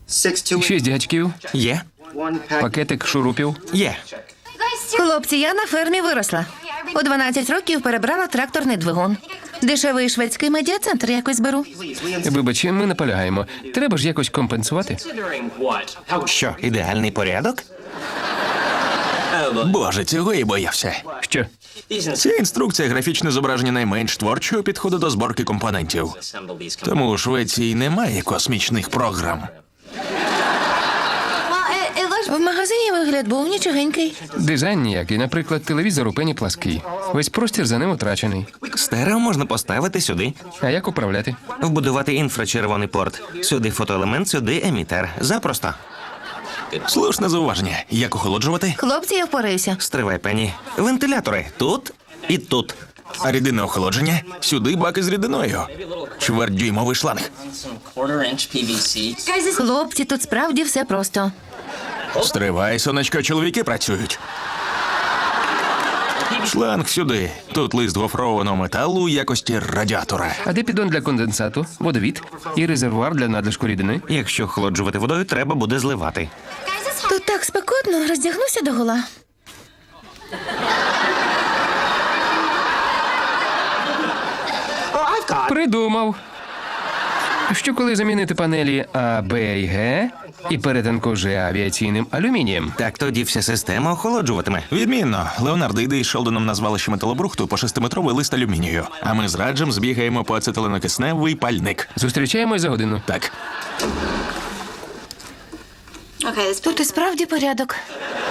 6 гачків, Є? пакетик шурупів. Є. Хлопці, я на фермі виросла. У 12 років перебрала тракторний двигун. Дешевий шведський медіацентр якось беру. Вибач, ми наполягаємо. Треба ж якось компенсувати. Що, ідеальний порядок? Боже, цього і боявся. Що? Ця інструкція – графічне зображення найменш творчого підходу до зборки компонентів. Тому у Швеції немає космічних програм. В магазині вигляд був нічогенький. Дизайн ніякий. Наприклад, телевізор у пені плаский. Весь простір за ним утрачений. Стерео можна поставити сюди. А як управляти? Вбудувати інфрачервоний порт. Сюди фотоелемент, сюди емітер. Запросто. Слушне зауваження. Як охолоджувати? Хлопці, я впораюся. Стривай, Пенні. Вентилятори. Тут і тут. А рідинне охолодження? Сюди баки з рідиною. Чвертьдюймовий шланг. Хлопці, тут справді все просто. Стривай, сонечко, чоловіки працюють. Шланг сюди. Тут лист гофрованого металу у якості радіатора. А де піддон для конденсату, водовід і резервуар для надлишку рідини? Якщо охолоджувати водою, треба буде зливати. Тут так спекотно, роздягнуся догола. Придумав. Що коли замінити панелі А, Б і Г і перетинку Ж авіаційним алюмінієм? Так тоді вся система охолоджуватиме. Відмінно. Леонардо йде із Шелдоном на звалище металобрухту по 6-метровий лист алюмінію. А ми з Раджем збігаємо по ацетиленокисневий пальник. Зустрічаємось за годину. Так. Тут і справді порядок.